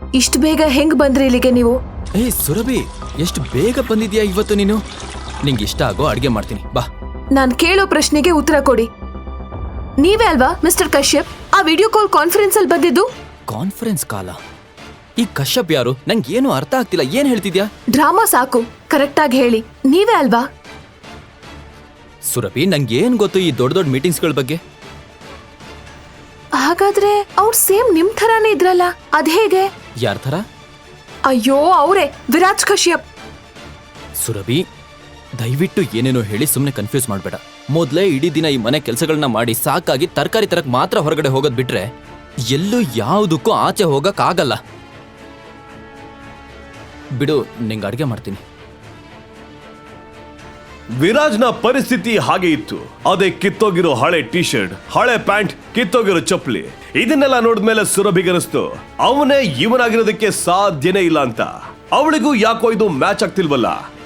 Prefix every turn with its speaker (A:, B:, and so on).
A: ಇಷ್ಟು ಬೇಗ ಹೆಂಗ್ ಬಂದ್ರಿ ಇಲ್ಲಿಗೆ ನೀವು?
B: ಸುರಭಿ, ಎಷ್ಟು ಬೇಗ ಬಂದಿದ್ಯಾ ಇವತ್ತು ನೀನು. ನಿಂಗೆ ಇಷ್ಟ ಆಗೋ ಅಡ್ಗೆ ಮಾಡ್ತೀನಿ, ಬಾ.
A: ನಾನ್ ಕೇಳೋ ಪ್ರಶ್ನೆಗೆ ಉತ್ತರ ಕೊಡಿ. ನೀವೇ ಅಲ್ವಾ ಮಿಸ್ಟರ್ ಕಶ್ಯಪ್ ಆ ವಿಡಿಯೋ ಕಾಲ್ ಕಾನ್ಫರೆನ್ಸ್ ಅಲ್ಲಿ ಬಂದಿದ್ದು?
B: ಕಾನ್ಫರೆನ್ಸ್ ಕಾಲ? ಈ ಕಶ್ಯಪ್ ಯಾರು? ನಂಗೆ ಏನು ಅರ್ಥ ಆಗ್ತಿಲ್ಲ, ಏನ್ ಹೇಳ್ತಿದ್ಯಾ?
A: ಡ್ರಾಮಾ ಸಾಕು, ಕರೆಕ್ಟ್ ಆಗಿ ಹೇಳಿ, ನೀವೇ ಅಲ್ವಾ?
B: ಸುರಭಿ, ನಂಗೆ ಏನ್ ಗೊತ್ತು ಈ ದೊಡ್ಡ ದೊಡ್ಡ ಮೀಟಿಂಗ್ಸ್ಗಳ ಬಗ್ಗೆ?
A: ಹಾಗಾದ್ರೆ ಅವ್ರು ಸೇಮ್ ನಿಮ್ ಥರಾನೇ ಇದ್ರಲ್ಲ, ಅದ್ ಹೇಗೆ?
B: ಯಾರ ಥರ?
A: ಅಯ್ಯೋ, ಅವರೇ, ವಿರಾಜ್ ಕಶ್ಯಪ್.
B: ಸುರಭಿ, ದಯವಿಟ್ಟು ಏನೇನೋ ಹೇಳಿ ಸುಮ್ಮನೆ ಕನ್ಫ್ಯೂಸ್ ಮಾಡಬೇಡ. ಮೊದಲೇ ಇಡೀ ದಿನ ಈ ಮನೆ ಕೆಲಸಗಳನ್ನ ಮಾಡಿ ಸಾಕಾಗಿ ತರಕಾರಿ ತರಕ್ ಮಾತ್ರ ಹೊರಗಡೆ ಹೋಗೋದ್ ಬಿಟ್ರೆ ಎಲ್ಲೂ ಯಾವುದಕ್ಕೂ ಆಚೆ ಹೋಗಕ್ ಆಗಲ್ಲ. ಬಿಡು, ನಿಂಗೆ ಅಡ್ಗೆ ಮಾಡ್ತೀನಿ.
C: ವಿರಾಜ್ನ ಪರಿಸ್ಥಿತಿ ಹಾಗೆ ಇತ್ತು. ಅದೇ ಕಿತ್ತೋಗಿರೋ ಹಳೆ ಟಿ ಶರ್ಟ್, ಹಳೆ ಪ್ಯಾಂಟ್, ಕಿತ್ತೋಗಿರೋ ಚಪ್ಪಲಿ, ಇದನ್ನೆಲ್ಲ ನೋಡಿದ್ಮೇಲೆ ಸುರಭಿಗನಿಸ್ತು ಅವನೇ ಇವನಾಗಿರೋದಕ್ಕೆ ಸಾಧ್ಯನೇ ಇಲ್ಲ ಅಂತ. ಅವಳಿಗೂ ಯಾಕೋ ಇದು ಮ್ಯಾಚ್ ಆಗ್ತಿಲ್ವಲ್ಲ.